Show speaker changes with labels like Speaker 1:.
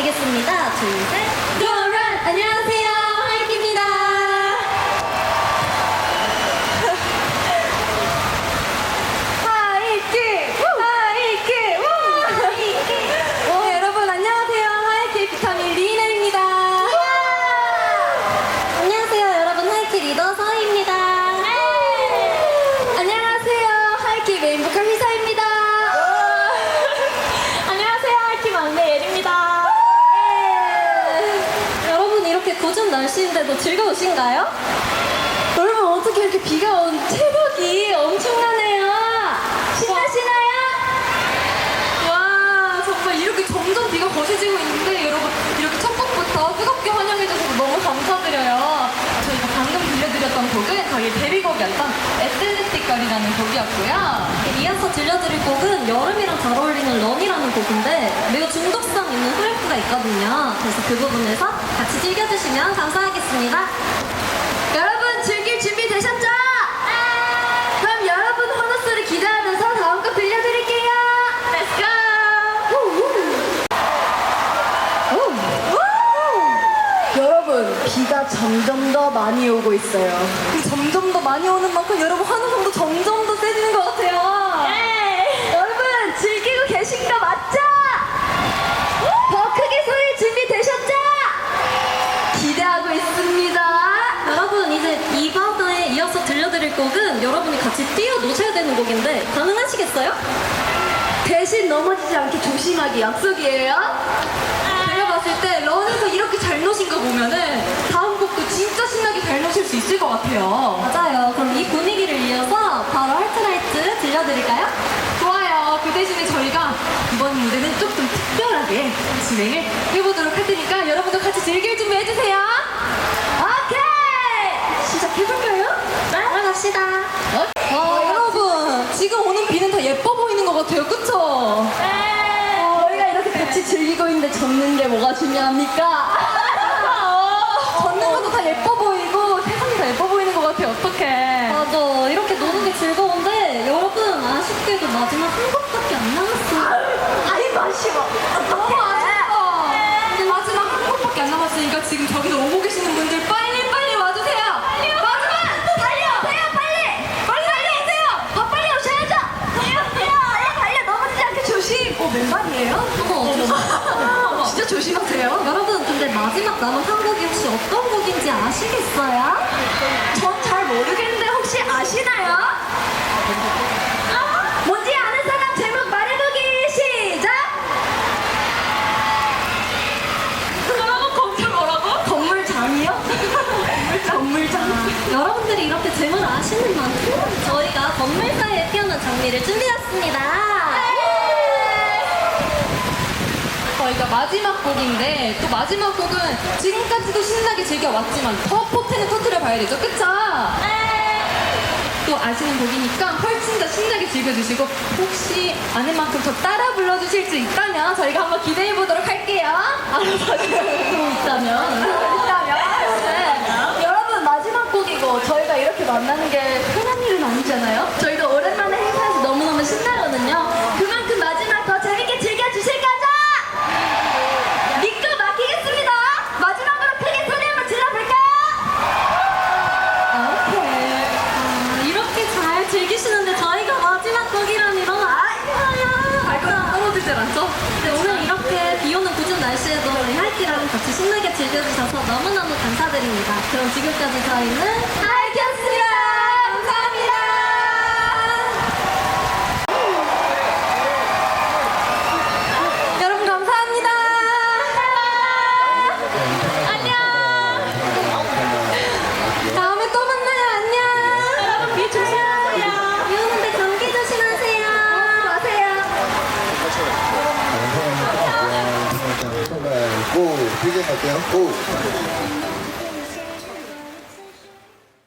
Speaker 1: 부탁드리겠습니다. 둘, 셋. 요런! 안녕하세요. 하이키입니다. 네, 여러분 안녕하세요. 하이키 비타민 리인입니다. 안녕하세요. 여러분 하이키 리더 서희입니다. 안녕하세요. 하이키 메인 보컬 희서입니다. 안녕하세요. 하이키 막내 예리입니다. 여러분 이렇게 궂은 날씨인데도 즐거우신가요? 여러분 어떻게 이렇게 비가 온 새벽이 엄청나네요. 신나시나요?
Speaker 2: 와, 정말 이렇게 점점 비가 거세지고 있는데 여러분 이렇게 첫 곡부터 뜨겁게 환영해주셔서 너무 감사드려요. 저희가 방금 들려드렸던 곡은 저희 데뷔곡이었던 애틀레틱 걸이라는 곡이었고요.
Speaker 1: 이어서 들려드릴 곡은 여름이랑 잘 어울리는 런이라는 곡인데 매우 중독성 있는 후렴구가 있거든요. 그래서 그 부분에서 같이 즐겨주시면 감사하겠습니다.
Speaker 2: 여러분 즐길 준비 되셨죠? 그럼 여러분 환호소리 기대하면서 다음 곡 들려드릴게요. Let's go! 여러분 비가 점점 더 많이 오고 있어요. 점점 더 많이 오는 만큼 여러분 환호성도 점점 더 세지는 것 같아요. 여러분 즐기고 계신 거 맞죠? 더 크게 소리 준비 되셨죠? 기대하고 있습니다.
Speaker 1: 여러분 이제 이번에 이어서 들려드릴 곡은 여러분이 같이 뛰어노셔야 되는 곡인데 가능하시겠어요?
Speaker 2: 대신 넘어지지 않게 조심하기 약속이에요. 제가 봤을 때 런에서 이렇게 잘 노신 거 보면은 다음 곡도 진짜 신나게 잘 노실 수 있을 것 같아요.
Speaker 1: 맞아요. 그럼 이 분위기를 이어서 바로 할트라이트 들려드릴까요?
Speaker 2: 좋아요. 그 대신에 저희가 이번 무대는 조금 특별하게 진행을 해보도록 할 테니까 여러분도 같이 즐길 준비 해주세요. 오케이! 시작해볼까요?
Speaker 1: 따라갑시다.
Speaker 2: 여러분 지금 오는 비는 다 예뻐 보이는 것 같아요. 그쵸? 저희가 이렇게 같이 즐기고 있는데 젖는 게 뭐가 중요합니까? 젖는 것도 다 예뻐 보이고 세상이 다 예뻐 보이는 것 같아요. 어떡해.
Speaker 1: 맞아. 이렇게 노는 게 즐거운데 여러분 아쉽게도 마지막 한 곡밖에 안 남았어요.
Speaker 2: 아이 마시고 너무 아쉽다. 이제 마지막 한 곡밖에 안 남았으니까 지금 저기서 오고 계시는 분들 빨리 와주세요. 마지막 달려 빨리 오세요. 더 빨리 오셔야죠. 달려 넘어지지 않게 조심. 맨발이에요?
Speaker 1: 어머,
Speaker 2: 진짜 조심하세요.
Speaker 1: 여러분 근데 마지막 남은 한 곡이 혹시 어떤 곡인지 아시겠어요?
Speaker 2: 전 잘 모르겠는데 혹시 아시나요? 뭔지 아는 사람 제목 말해보기 시작! 뭐라고? 건물장이요? 건물장.
Speaker 1: 여러분들이 이렇게 제목을 아시는 만큼 저희가 건물 사이에 피어난 장미를 준비했습니다.
Speaker 2: 저희가 마지막 곡인데 또 마지막 곡은 지금까지도 신나게 즐겨왔지만 더 포텐을 터뜨려 봐야 되죠. 그쵸? 또 아시는 곡이니까 훨씬 더 신나게 즐겨주시고 혹시 아는 만큼 더 따라 불러주실 수 있다면 저희가 한번 기대해 보도록 할게요. 있다면. 네. 여러분 마지막 곡이고 저희가 이렇게 만나는 게 흔한 일은 아니잖아요. 저희도 오랜만에 행사해서 너무너무 신나거든요. 그만큼 마지막 더 재밌게 즐겨주실 거죠? 믿고 맡기겠습니다. 마지막으로 크게 소리 한번 질러볼까요? 오케이.
Speaker 1: 이렇게 잘 즐기시는데 저희가 마지막 곡이라니 너무 아쉬워요.
Speaker 2: 발걸음 떨어질 줄 알았죠?
Speaker 1: 네, 오늘 이렇게 비 오는 궂은 날씨에도 우리 하이키랑 같이 신나게 즐겨주셔서 너무너무 감사드립니다. 그럼 지금까지 저희는
Speaker 2: 하이키였습니다. 감사합니다. 여러분 감사합니다. 안녕. 다음에 또 만나요. 안녕. 여러분 비 조심하세요.
Speaker 1: 비 오는데 감기 조심하세요.
Speaker 2: 마세요.
Speaker 3: 고! 되게 갈게요. 고!